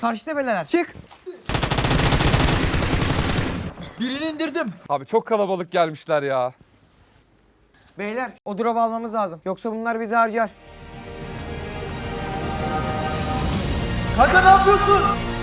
Karşı tepeler. Çık. Birini indirdim. Abi çok kalabalık gelmişler ya. Beyler o drop'u almamız lazım. Yoksa bunlar bizi harcar. Kanka ne yapıyorsun?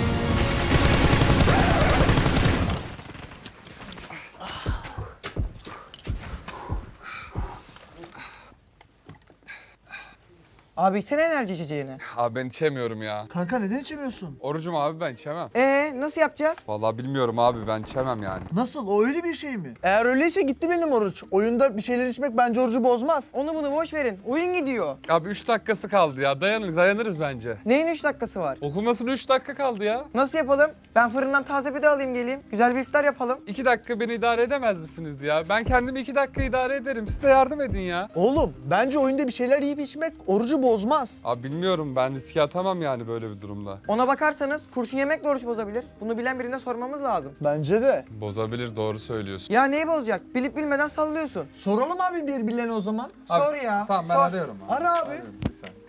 Abi sen enerji içeceğini. Abi ben içemiyorum ya. Kanka neden içemiyorsun? Orucum abi, ben içemem. Nasıl yapacağız? Vallahi bilmiyorum abi, ben içemem yani. Nasıl? O öyle bir şey mi? Eğer öyleyse gitti benim oruç. Oyunda bir şeyler içmek bence orucu bozmaz. Onu bunu boş verin. Oyun gidiyor. Abi 3 dakikası kaldı ya. Dayanırız bence. Neyin 3 dakikası var? Okunmasına 3 dakika kaldı ya. Nasıl yapalım? Ben fırından taze pide alayım geleyim. Güzel bir iftar yapalım. 2 dakika beni idare edemez misiniz ya? Ben kendimi 2 dakika idare ederim. Siz de yardım edin ya. Oğlum bence oyunda bir şeyler yiyip içmek orucu bozmaz. Abi bilmiyorum, ben riske atamam yani böyle bir durumda. Ona bakarsanız kurşun yemek de oruç bozabilir. Bunu bilen birine sormamız lazım. Bence de. Bozabilir, doğru söylüyorsun. Ya neyi bozacak? Bilip bilmeden sallıyorsun. Soralım abi birbirlerine o zaman. Sor ya. Tamam, ben sor. arıyorum abi. Ara abi. Arıyorum, bir saniye.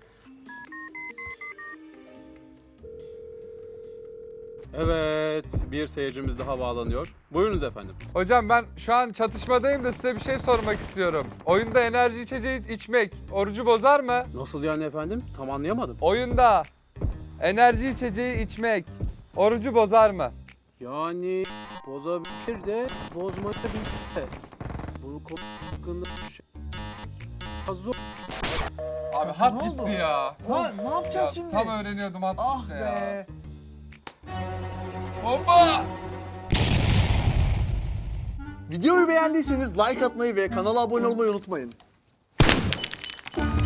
Evet, bir seyircimiz daha bağlanıyor. Buyurunuz efendim. Hocam ben şu an çatışmadayım da size bir şey sormak istiyorum. Oyunda enerji içeceği içmek orucu bozar mı? Nasıl yani efendim? Tam anlayamadım. Oyunda enerji içeceği içmek orucu bozar mı? Yani bozabilir de bozmayabilir de. Bu konu hakkında bir şey az zor. Abi hat Ne oldu? gitti ya. Ne yapacağız şimdi? Tam öğreniyordum, hat Ah gitti ya. be. Bomba! Videoyu beğendiyseniz like atmayı ve kanala abone olmayı unutmayın.